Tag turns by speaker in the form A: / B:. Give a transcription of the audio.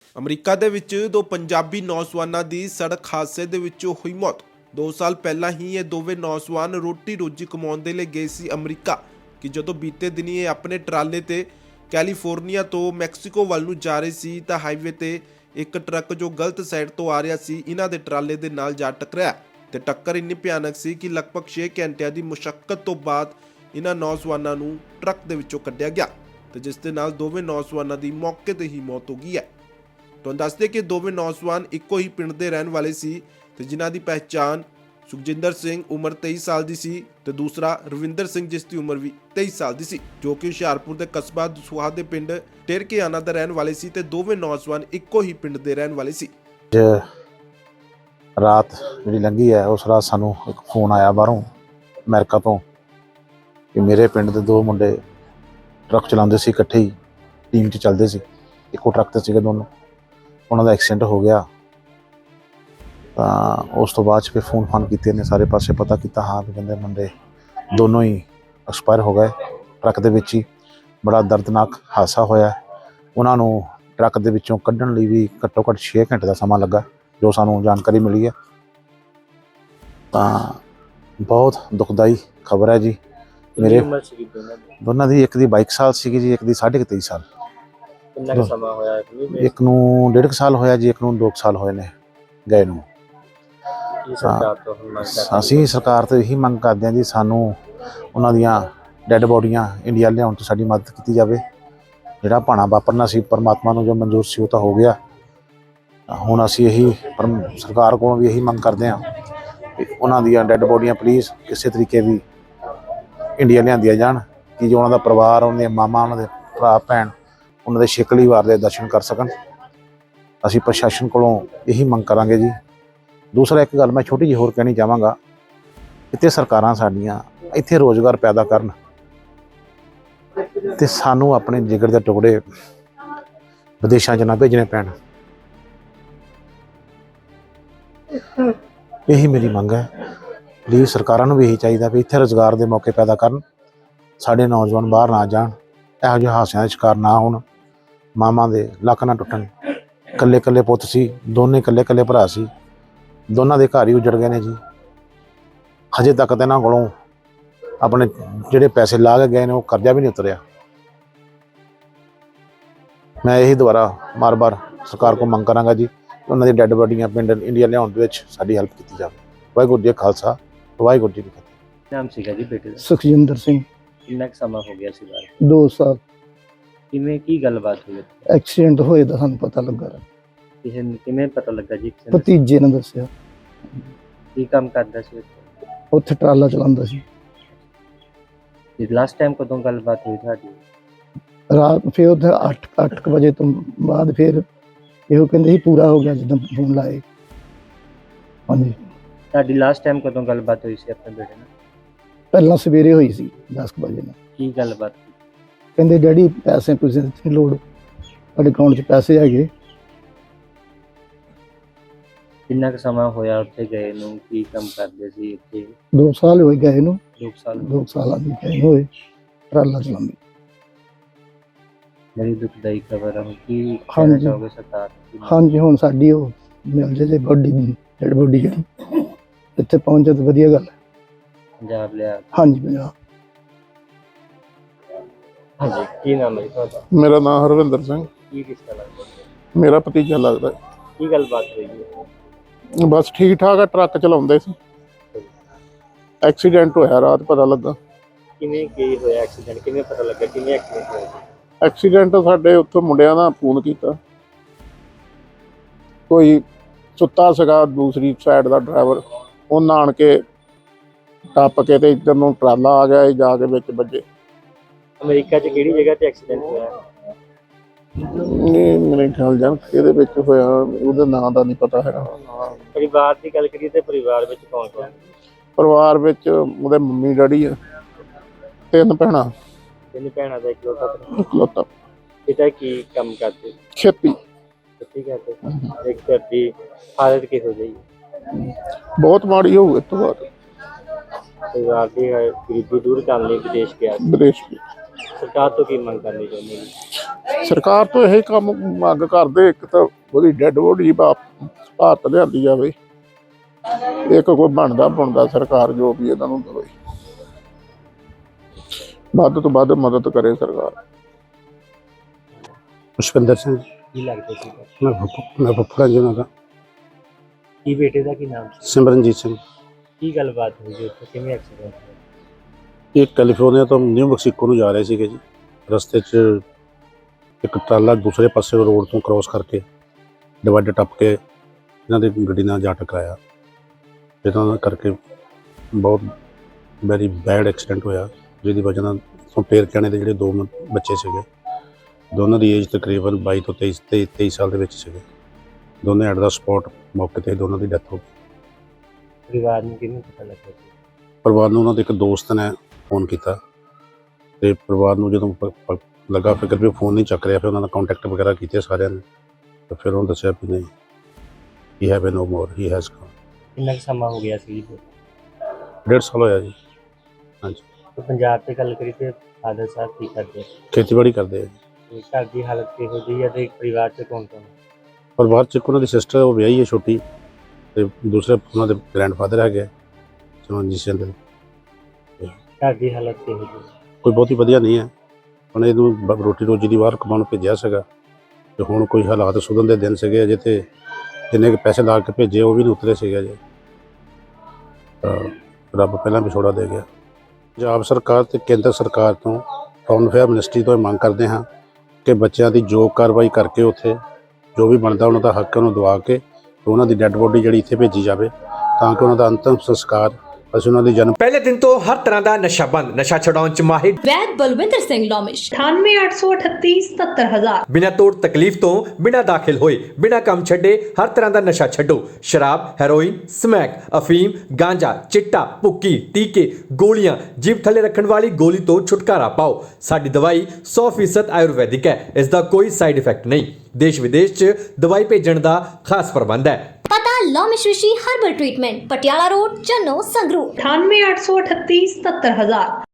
A: America ਦੇ ਵਿੱਚ ਦੋ ਪੰਜਾਬੀ ਨੌਜਵਾਨਾਂ ਦੀ ਸੜਕ ਹਾਦਸੇ ਦੇ ਵਿੱਚ ਹੋਈ ਮੌਤ। 2 ਸਾਲ ਪਹਿਲਾਂ ਹੀ ਇਹ ਦੋਵੇਂ ਨੌਜਵਾਨ ਰੋਟੀ ਰੋਜੀ ਕਮਾਉਣ ਦੇ ਲਈ ਗਏ ਸੀ ਅਮਰੀਕਾ ਕਿ ਜਦੋਂ ਬੀਤੇ ਦਿਨੀ ਇਹ ਆਪਣੇ ਟਰਾਲੇ ਤੇ ਕੈਲੀਫੋਰਨੀਆ ਤੋਂ ਮੈਕਸੀਕੋ ਵੱਲ ਨੂੰ ਜਾ ਰਹੇ ਸੀ ਤਾਂ ਹਾਈਵੇ ਤੇ ਇੱਕ ਟਰੱਕ ਜੋ ਗਲਤ ਸਾਈਡ ਤੋਂ ਆ ਰਿਹਾ ਸੀ ਇਹਨਾਂ ਦੇ ਟਰਾਲੇ ਦੇ ਨਾਲ ਜਾ ਟਕਰਾਇਆ ਤੇ ਟੱਕਰ ਇੰਨੀ ਭਿਆਨਕ ਸੀ ਕਿ ਲਗਭਗ 6 ਘੰਟਿਆਂ ਦੀ ਮੁਸ਼ੱਕਤ ਤੋਂ ਬਾਅਦ ਇਹਨਾਂ ਨੌਜਵਾਨਾਂ ਨੂੰ ਟਰੱਕ ਦੇ ਵਿੱਚੋਂ ਕੱਢਿਆ ਗਿਆ ਤੇ ਜਿਸ ਦੇ ਨਾਲ ਦੋਵੇਂ ਨੌਜਵਾਨਾਂ ਦੀ ਮੌਕੇ ਤੇ ਹੀ ਮੌਤ ਹੋ ਗਈ ਹੈ। ਤੁਹਾਨੂੰ ਦੱਸਦੇ ਕਿ ਦੋਵੇਂ ਨੌਜਵਾਨ ਇੱਕੋ ਹੀ ਪਿੰਡ ਦੇ ਰਹਿਣ ਵਾਲੇ ਸੀ ਤੇ ਜਿਨ੍ਹਾਂ ਦੀ ਪਹਿਚਾਣ ਸੁਖਜਿੰਦਰ ਸਿੰਘ ਉਮਰ 23 ਸਾਲ ਦੀ ਸੀ ਤੇ ਦੂਸਰਾ ਰਵਿੰਦਰ ਸਿੰਘ ਜਿਸ ਦੀ ਉਮਰ ਵੀ 23 ਸਾਲ ਦੀ ਸੀ ਜੋ ਕਿ ਹੁਸ਼ਿਆਰਪੁਰ ਦੇ ਕਸਬਾ ਦਸੂਹਾ ਦੇ ਪਿੰਡ ਟੇਰਕੇਆਣਾ ਦਾ ਰਹਿਣ ਵਾਲੇ ਸੀ ਤੇ ਦੋਵੇਂ ਨੌਜਵਾਨ ਇੱਕੋ ਹੀ ਪਿੰਡ ਦੇ ਰਹਿਣ ਵਾਲੇ ਸੀ।
B: ਰਾਤ ਜਿਹੜੀ ਲੰਘੀ ਹੈ ਉਸ ਰਾਤ ਸਾਨੂੰ ਇੱਕ ਫੋਨ ਆਇਆ ਬਾਹਰੋਂ ਅਮਰੀਕਾ ਤੋਂ ਕਿ ਮੇਰੇ ਪਿੰਡ ਦੇ ਦੋ ਮੁੰਡੇ ਟਰੱਕ ਚਲਾਉਂਦੇ ਸੀ, ਇਕੱਠੇ ਹੀ ਟੀਮ 'ਚ ਚੱਲਦੇ ਸੀ, ਇੱਕੋ ਟਰੱਕ ਤੇ ਸੀਗੇ ਦੋਨੋਂ, ਉਹਨਾਂ ਦਾ ਐਕਸੀਡੈਂਟ ਹੋ ਗਿਆ। ਤਾਂ ਉਸ ਤੋਂ ਬਾਅਦ 'ਚ ਫਿਰ ਫੋਨ ਕੀਤੇ ਨੇ, ਸਾਰੇ ਪਾਸੇ ਪਤਾ ਕੀਤਾ, ਹਾਂ ਵੀ ਕਹਿੰਦੇ ਮੁੰਡੇ ਦੋਨੋਂ ਹੀ ਐਕਸਪਾਇਰ ਹੋ ਗਏ ਟਰੱਕ ਦੇ ਵਿੱਚ ਹੀ। ਬੜਾ ਦਰਦਨਾਕ ਹਾਦਸਾ ਹੋਇਆ। ਉਹਨਾਂ ਨੂੰ ਟਰੱਕ ਦੇ ਵਿੱਚੋਂ ਕੱਢਣ ਲਈ ਵੀ ਘੱਟੋ ਘੱਟ 6 ਘੰਟੇ ਦਾ ਸਮਾਂ ਲੱਗਾ, ਜੋ ਸਾਨੂੰ ਜਾਣਕਾਰੀ ਮਿਲੀ ਹੈ। ਤਾਂ ਬਹੁਤ ਦੁਖਦਾਈ ਖਬਰ ਹੈ ਜੀ। ਮੇਰੇ ਦੋਨਾਂ ਦੀ, ਇੱਕ ਦੀ 22 ਸਾਲ ਸੀਗੀ ਜੀ, ਇੱਕ ਦੀ 23.5 ਸਾਲ।
C: ਕਿੰਨਾ ਸਮਾਂ ਹੋਇਆ?
B: ਇੱਕ ਨੂੰ 1.5 ਸਾਲ ਹੋਇਆ ਜੀ, ਇੱਕ ਨੂੰ 2 ਸਾਲ ਹੋਏ ਨੇ ਗਏ ਨੂੰ। ਅਸੀਂ ਸਰਕਾਰ ਤੋਂ ਇਹੀ ਮੰਗ ਕਰਦੇ ਹਾਂ ਜੀ, ਸਾਨੂੰ ਉਹਨਾਂ ਦੀਆਂ ਡੈੱਡ ਬੋਡੀਆਂ ਇੰਡੀਆ ਲਿਆਉਣ 'ਚ ਸਾਡੀ ਮਦਦ ਕੀਤੀ ਜਾਵੇ। ਜਿਹੜਾ ਭਾਣਾ ਵਾਪਰਨਾ ਸੀ ਪਰਮਾਤਮਾ ਨੂੰ ਜੋ ਮਨਜ਼ੂਰ ਸੀ ਉਹ ਤਾਂ ਹੋ ਗਿਆ। ਹੁਣ ਅਸੀਂ ਇਹੀ ਸਰਕਾਰ ਕੋਲੋਂ ਵੀ ਇਹੀ ਮੰਗ ਕਰਦੇ ਹਾਂ ਕਿ ਉਹਨਾਂ ਦੀਆਂ ਡੈੱਡ ਬੋਡੀਆਂ ਪਲੀਜ਼ ਕਿਸੇ ਤਰੀਕੇ ਵੀ ਇੰਡੀਆ ਲਿਆਂਦੀਆਂ ਜਾਣ ਕਿ ਜੋ ਉਹਨਾਂ ਦਾ ਪਰਿਵਾਰ, ਉਹਨਾਂ ਦੀਆਂ ਮਾਮਾ, ਉਹਨਾਂ ਦੇ ਭਰਾ ਭੈਣ ਉਹਨਾਂ ਦੇ ਛਿਕਲੀ ਵਾਰ ਦੇ ਦਰਸ਼ਨ ਕਰ ਸਕਣ। ਅਸੀਂ ਪ੍ਰਸ਼ਾਸਨ ਕੋਲੋਂ ਇਹੀ ਮੰਗ ਕਰਾਂਗੇ ਜੀ। ਦੂਸਰਾ ਇੱਕ ਗੱਲ ਮੈਂ ਛੋਟੀ ਜਿਹੀ ਹੋਰ ਕਹਿਣੀ ਚਾਹਾਂਗਾ, ਇੱਥੇ ਸਰਕਾਰਾਂ ਸਾਡੀਆਂ ਇੱਥੇ ਰੋਜ਼ਗਾਰ ਪੈਦਾ ਕਰਨ ਤੇ ਸਾਨੂੰ ਆਪਣੇ ਜਿਗਰ ਦੇ ਟੁਕੜੇ ਵਿਦੇਸ਼ਾਂ 'ਚ ਨਾ ਭੇਜਣੇ ਪੈਣ। ਇਹੀ ਮੇਰੀ ਮੰਗ ਹੈ। ਪਲੀਜ਼ ਸਰਕਾਰਾਂ ਨੂੰ ਵੀ ਇਹੀ ਚਾਹੀਦਾ ਵੀ ਇੱਥੇ ਰੁਜ਼ਗਾਰ ਦੇ ਮੌਕੇ ਪੈਦਾ ਕਰਨ, ਸਾਡੇ ਨੌਜਵਾਨ ਬਾਹਰ ਨਾ ਜਾਣ, ਇਹੋ ਜਿਹੇ ਹਾਦਸਿਆਂ ਦਾ ਸ਼ਿਕਾਰ ਨਾ ਹੋਣ, ਮਾਵਾਂ ਦੇ ਲੱਕ ਨਾ ਟੁੱਟਣ। ਇਕੱਲੇ ਇਕੱਲੇ ਪੁੱਤ ਸੀ, ਦੋਨੇ ਇਕੱਲੇ ਇਕੱਲੇ ਭਰਾ ਸੀ, ਦੋਨਾਂ ਦੇ ਘਰ ਹੀ ਉਜੜ ਗਏ ਨੇ ਜੀ। ਹਜੇ ਤੱਕ ਤਾਂ ਇਹਨਾਂ ਕੋਲੋਂ ਆਪਣੇ ਜਿਹੜੇ ਪੈਸੇ ਲਾ ਕੇ ਗਏ ਨੇ ਉਹ ਕਰਜ਼ਾ ਵੀ ਨਹੀਂ ਉਤਰਿਆ। ਮੈਂ ਇਹੀ ਦੁਬਾਰਾ ਬਾਰ-ਬਾਰ ਸਰਕਾਰ ਕੋਲ ਮੰਗ ਕਰਾਂਗਾ ਜੀ, ਉਹਨਾਂ ਦੀ ਡੈੱਡ ਬੋਡੀਆਂ ਪਿੰਡ ਇੰਡੀਆ ਲਿਆਉਣ ਦੇ ਵਿੱਚ ਸਾਡੀ ਹੈਲਪ ਕੀਤੀ ਜਾਵੇ। ਵਾਹਿਗੁਰੂ ਜੀ ਖਾਲਸਾ, ਵਾਹਿਗੁਰੂ ਜੀ ਕੀ ਫਤਿਹ।
C: ਨਾਮ ਸੀਗਾ ਜੀ ਬੇਟੇ ਦਾ?
D: ਸੁਖਜਿੰਦਰ ਸਿੰਘ।
C: ਕਿੰਨਾ ਸਮਾਂ ਹੋ ਗਿਆ ਸੀ ਬਾਹਰ?
D: 2 ਸਾਲ।
C: ਕਿਵੇਂ, ਕੀ ਗੱਲਬਾਤ ਹੋਈ?
D: ਐਕਸੀਡੈਂਟ ਹੋਏ ਦਾ ਸਾਨੂੰ ਪਤਾ ਲੱਗਾ,
C: ਕਿਸੇ ਨੂੰ ਕਿਵੇਂ ਪਤਾ ਲੱਗਾ ਜੀ?
D: ਭਤੀਜੇ ਨੇ ਦੱਸਿਆ।
C: ਕੀ ਕੰਮ ਕਰਦਾ ਸੀ
D: ਉੱਥੇ ਟਰਾਲਾ ਚਲਾਉਂਦਾ ਸੀ।
C: ਲਾਸਟ ਟਾਈਮ ਕਦੋਂ ਗੱਲਬਾਤ ਹੋਈ ਤੁਹਾਡੀ?
D: ਰਾਤ ਫਿਰ ਉੱਥੇ 8 ਵਜੇ ਤੋਂ ਬਾਅਦ ਫਿਰ ਇਹੋ ਕਹਿੰਦੇ ਸੀ ਪੂਰਾ ਹੋ ਗਿਆ ਜਦੋਂ ਫੋਨ ਲਾਏ। ਹਾਂਜੀ।
C: ਤੁਹਾਡੀ ਲਾਸਟ ਟਾਈਮ ਕਦੋਂ ਗੱਲਬਾਤ ਹੋਈ ਸੀ ਆਪਣੇ ਬੇਟੇ ਨਾਲ?
D: ਪਹਿਲਾਂ ਸਵੇਰੇ ਹੋਈ ਸੀ 10 ਵਜੇ ਨਾਲ।
C: ਕੀ ਗੱਲਬਾਤ?
D: ਕਹਿੰਦੇ ਡੈਡੀ ਪੈਸੇ ਦੀ ਲੋੜ, ਤੁਹਾਡੇ ਅਕਾਊਂਟ 'ਚ ਪੈਸੇ ਹੈਗੇ।
C: ਕਿੰਨਾ ਕੁ ਸਮਾਂ ਹੋਇਆ ਉੱਥੇ ਗਏ ਨੂੰ? ਕੀ ਕੰਮ ਕਰਦੇ ਸੀ ਇੱਥੇ?
D: 2 ਸਾਲ ਹੋਏ ਗਏ ਨੂੰ।
C: 2 ਸਾਲ।
D: 2 ਸਾਲਾਂ ਦੀ ਗਏ ਹੋਏ ਟਰਾਲਾ ਚਲਾਉਂਦੇ।
C: ਬੜੀ ਦੁਖਦਾਈ ਖਬਰ ਹੈ। ਕੀ ਕਹਿਣਾ ਚਾਹੋਗੇ ਸਰਕਾਰ ਨੂੰ?
D: ਹਾਂਜੀ, ਹੁਣ ਸਾਡੀ ਉਹ ਮਿਲ ਜੇ ਬੋਡੀ, ਡੈਡ ਬੋਡੀ ਜਿਹੜੀ ਇੱਥੇ ਪਹੁੰਚੇ ਤਾਂ ਵਧੀਆ ਗੱਲ ਹੈ।
C: ਪੰਜਾਬ ਲਿਆ?
D: ਹਾਂਜੀ, ਪੰਜਾਬ।
C: ਹਾਂਜੀ। ਕੀ ਨਾਮ ਹੈ ਤੁਹਾਡਾ?
E: ਮੇਰਾ ਨਾਮ ਹਰਵਿੰਦਰ ਸਿੰਘ।
C: ਕੀ ਕਿਸਾ ਲੱਗਦਾ?
E: ਮੇਰਾ ਭਤੀਜਾ ਲੱਗਦਾ।
C: ਕੀ ਗੱਲਬਾਤ ਹੋਈ ਹੈ?
E: ਬਸ ਠੀਕ ਠਾਕ ਆ, ਟਰੱਕ ਚਲਾਉਂਦੇ ਸੀ, ਐਕਸੀਡੈਂਟ ਹੋਇਆ ਰਾਤ ਪਤਾ ਲੱਗਾ।
C: ਕਿਵੇਂ ਕੀ ਹੋਇਆ ਐਕਸੀਡੈਂਟ? ਕਿਵੇਂ ਪਤਾ ਲੱਗਾ ਕਿਵੇਂ ਐਕਸੀਡੈਂਟ ਹੋਇਆ?
E: ਐਕਸੀਡੈਂਟ ਸਾਡੇ ਉੱਥੋਂ ਮੁੰਡਿਆਂ ਦਾ ਫੋਨ ਕੀਤਾ, ਕੋਈ ਸੁੱਤਾ ਸੀਗਾ ਦੂਸਰੀ ਸਾਈਡ ਦਾ ਡਰਾਈਵਰ, ਉਹਨਾਂ ਆਣ ਕੇ ਟੱਪ ਕੇ ਤੇ ਇੱਧਰ ਨੂੰ ਟਰਾਲਾ ਆ ਗਿਆ, ਜਾ ਕੇ ਵਿੱਚ ਵੱਜੇ।
C: ਅਮਰੀਕਾ 'ਚ ਕਿਹੜੀ ਜਗ੍ਹਾ ਤੇ ਐਕਸੀਡੈਂਟ ਹੋਇਆ?
E: ਨਹੀਂ, ਮੇਰੇ ਖਿਆਲ ਜਾਣ ਇਹਦੇ ਵਿੱਚ ਹੋਇਆ, ਉਹਦੇ ਨਾਂ ਦਾ ਨਹੀਂ ਪਤਾ ਹੈਗਾ।
C: ਪਰਿਵਾਰ ਦੀ ਗੱਲ ਕਰੀਏ ਤੇ ਪਰਿਵਾਰ ਵਿੱਚ ਕੌਣ ਕੌਣ?
E: ਪਰਿਵਾਰ ਵਿੱਚ ਉਹਦੇ ਮੰਮੀ ਡੈਡੀ ਆ, 3 ਭੈਣਾਂ।
C: 3 ਭੈਣਾਂ ਦਾ
E: ਇਕਲੌਤਾ।
C: ਪਿਤਾ ਕੀ ਕੰਮ ਕਰਦੇ?
E: ਖੇਤੀ।
C: ਖੇਤੀ ਕਰਦੇ। ਇੱਕ ਘਰ ਦੀ ਹਾਲਤ ਕਿਹੋ ਜਿਹੀ?
E: ਬਹੁਤ ਮਾੜੀ ਹੋਊ ਇਸ ਤੋਂ ਬਾਅਦ।
C: ਪਰਿਵਾਰ ਦੀ ਗਰੀਬੀ ਦੂਰ ਕਰਨ ਲਈ ਵਿਦੇਸ਼ ਗਿਆ ਸੀ।
E: ਵਿਦੇਸ਼
C: ਸਰਕਾਰ ਤੋਂ ਕੀ ਮੰਗ ਕਰਨੀ ਚਾਹੁੰਦੇ ਜੀ?
E: ਸਰਕਾਰ ਤੋਂ ਇਹ ਕੰਮ ਮੰਗ ਕਰਦੇ, ਇੱਕ ਤਾਂ ਉਹਦੀ ਡੈੱਡ ਬੋਡੀ ਭਾਰਤ ਲਿਆਂਦੀ ਜਾਵੇ, ਇੱਕ ਕੋਈ ਬਣਦਾ ਸਰਕਾਰ ਜੋ ਵੀ ਇਹਨਾਂ ਨੂੰ ਦੇਵੇ, ਵੱਧ ਤੋਂ ਵੱਧ ਮਦਦ ਕਰੇ ਸਰਕਾਰ।
B: ਪੁਸ਼ਪਿੰਦਰ ਸਿੰਘ
C: ਕੀ ਲੱਗਦਾ ਸੀ?
B: ਮੈਂ ਫੁੱਫੜਾ ਜੀ ਉਹਨਾਂ ਦਾ।
C: ਕੀ ਬੇਟੇ ਦਾ ਕੀ ਨਾਮ ਸੀ?
B: ਸਿਮਰਨਜੀਤ ਸਿੰਘ।
C: ਕੀ ਗੱਲਬਾਤ ਹੋਈ ਜੀ ਉੱਥੇ, ਕਿਵੇਂ ਐਕਸੀਡੈਂਟ ਹੋਇਆ?
B: ਇਹ ਕੈਲੀਫੋਰਨੀਆ ਤੋਂ ਨਿਊ ਮੈਕਸੀਕੋ ਨੂੰ ਜਾ ਰਹੇ ਸੀਗੇ ਜੀ। ਰਸਤੇ 'ਚ ਇੱਕ ਟਰਾਲਾ ਦੂਸਰੇ ਪਾਸੇ ਰੋਡ ਤੋਂ ਕ੍ਰੋਸ ਕਰਕੇ ਡਿਵਾਈਡਰ ਟੱਪ ਕੇ ਇਹਨਾਂ ਦੀ ਗੱਡੀ ਨਾਲ ਜਾ ਟਕਰਾਇਆ। ਜਿਹਨਾਂ ਕਰਕੇ ਬਹੁਤ ਵੈਰੀ ਬੈਡ ਐਕਸੀਡੈਂਟ ਹੋਇਆ, ਜਿਹਦੀ ਵਜ੍ਹਾ ਨਾਲ ਫੇਰ ਕਹਿਣੇ ਦੇ ਜਿਹੜੇ ਦੋ ਬੱਚੇ ਸੀਗੇ, ਦੋਨਾਂ ਦੀ ਏਜ ਤਕਰੀਬਨ 22 ਤੋਂ 23 ਸਾਲ ਦੇ ਵਿੱਚ ਸੀਗੇ। ਦੋਨੇ ਐਟ ਦਾ ਸਪੌਟ ਮੌਕੇ 'ਤੇ ਦੋਨਾਂ ਦੀ ਡੈਥ ਹੋ ਗਈ।
C: ਪਰਿਵਾਰ ਨੂੰ ਕਿਵੇਂ ਪਤਾ ਲੱਗਾ ਜੀ?
B: ਪਰਿਵਾਰ ਨੂੰ ਉਹਨਾਂ ਦੇ ਇੱਕ ਦੋਸਤ ਨੇ ਫੋਨ ਕੀਤਾ ਤੇ ਪਰਿਵਾਰ ਨੂੰ ਜਦੋਂ ਲੱਗਾ ਫਿਕਰ ਵੀ ਫੋਨ ਨਹੀਂ ਚੱਕ ਰਿਹਾ, ਫਿਰ ਉਹਨਾਂ ਦਾ ਕੰਟੈਕਟ ਵਗੈਰਾ ਕੀਤੇ ਸਾਰਿਆਂ ਨੇ, ਤੇ ਫਿਰ ਉਹਨੂੰ ਦੱਸਿਆ ਵੀ ਨਹੀਂ, he have no more, he has gone.
C: ਕਿੰਨਾ ਕੁ ਸਮਾਂ ਹੋ ਗਿਆ ਸੀ ਜੀ?
B: 1.5 ਸਾਲ ਹੋਇਆ ਜੀ। ਹਾਂਜੀ,
C: ਤੇ ਪੰਜਾਬ 'ਤੇ ਗੱਲ ਕਰੀ ਤੇ ਫਾਦਰ ਸਾਹਿਬ ਕੀ ਕਰਦੇ?
B: ਖੇਤੀਬਾੜੀ ਕਰਦੇ ਆ ਜੀ।
C: ਤੇ ਘਰ ਦੀ ਹਾਲਤ ਕਿਹੋ ਜਿਹੀ ਹੈ ਤੇ ਪਰਿਵਾਰ 'ਚ ਕੌਣ ਕੌਣ?
B: ਪਰਿਵਾਰ 'ਚ ਇੱਕ ਉਹਨਾਂ ਦੀ ਸਿਸਟਰ, ਉਹ ਵਿਆਹੀ ਹੈ ਛੋਟੀ, ਤੇ ਦੂਸਰੇ ਉਹਨਾਂ ਦੇ ਗ੍ਰੈਂਡਫਾਦਰ ਹੈਗੇ ਸਿਮਰਨਜੀਤ ਸਿੰਘ ਦੇ।
C: ਘਰ ਦੀ ਹਾਲਤ ਕਿਹੋ ਜਿਹੀ?
B: ਕੋਈ ਬਹੁਤੀ ਵਧੀਆ ਨਹੀਂ ਹੈ। ਹੁਣ ਇਹਨੂੰ ਰੋਟੀ ਰੋਜੀ ਦੀ ਬਾਹਰ ਕਮਾਉਣ ਭੇਜਿਆ ਸੀਗਾ, ਤੇ ਹੁਣ ਕੋਈ ਹਾਲਾਤ ਸੁਧਰਨ ਦੇ ਦਿਨ ਸੀਗੇ ਅਜੇ, ਤੇ ਜਿੰਨੇ ਕੁ ਪੈਸੇ ਲਾ ਕੇ ਭੇਜੇ ਉਹ ਵੀ ਨਹੀਂ ਉਤਰੇ ਸੀਗੇ ਅਜੇ। ਰੱਬ ਪਹਿਲਾਂ ਵਿਛੋੜਾ ਦੇ ਗਿਆ। ਪੰਜਾਬ ਸਰਕਾਰ ਤੇ ਕੇਂਦਰ ਸਰਕਾਰ ਤੋਂ, ਫੋਰਨ ਅਫੇਅਰ ਮਿਨਿਸਟਰੀ ਤੋਂ ਇਹ ਮੰਗ ਕਰਦੇ ਹਾਂ ਕਿ ਬੱਚਿਆਂ ਦੀ ਜੋ ਕਾਰਵਾਈ ਕਰਕੇ ਉੱਥੇ ਜੋ ਵੀ ਬਣਦਾ ਉਹਨਾਂ ਦਾ ਹੱਕ ਉਹਨੂੰ ਦਵਾ ਕੇ ਉਹਨਾਂ ਦੀ ਡੈੱਡ ਬੋਡੀ ਜਿਹੜੀ ਇੱਥੇ ਭੇਜੀ ਜਾਵੇ, ਤਾਂ ਕਿ ਉਹਨਾਂ ਦਾ ਅੰਤਿਮ ਸੰਸਕਾਰ ਅਸੀਂ ਉਹਨਾਂ ਦੀ ਜਨਮ
F: ਪਹਿਲੇ ਦਿਨ ਤੋਂ ਹਰ ਤਰ੍ਹਾਂ ਦਾ ਨਸ਼ਾ ਬੰਦ, ਨਸ਼ਾ ਛਡਾਉਣ ਚ ਮਾਹਿਰ
G: ਵੈਦ ਬਲਵਿੰਦਰ ਸਿੰਘ ਲੋਮਿਸ਼
F: 9883877000 ਬਿਨਾਂ ਤੋੜ ਤਕਲੀਫ ਤੋਂ, ਬਿਨਾਂ ਦਾਖਲ ਹੋਏ, ਬਿਨਾਂ ਕੰਮ ਛੱਡੇ ਹਰ ਤਰ੍ਹਾਂ ਦਾ ਨਸ਼ਾ ਛੱਡੋ। ਸ਼ਰਾਬ, ਹੈਰੋਇਨ, ਸਮੈਕ, ਅਫੀਮ, ਗਾਂਜਾ, ਚਿੱਟਾ, ਭੁੱਕੀ, ਟੀਕੇ, ਗੋਲੀਆਂ, ਜੀਭ ਥੱਲੇ ਰੱਖਣ ਵਾਲੀ ਗੋਲੀ ਤੋਂ ਛੁਟਕਾਰਾ ਪਾਓ। ਸਾਡੀ ਦਵਾਈ 100% ਆਯੁਰਵੈਦਿਕ ਹੈ, ਇਸ ਦਾ ਕੋਈ ਸਾਈਡ ਇਫੈਕਟ ਨਹੀਂ। ਦੇਸ਼ ਵਿਦੇਸ਼ ਚ ਦਵਾਈ ਭੇਜਣ ਦਾ ਖਾਸ ਪ੍ਰਬੰਧ ਹੈ।
G: ਪਤਾ Lomish Rishi herbal treatment, Patiala road, Channo, Sangrur
F: 9883877000।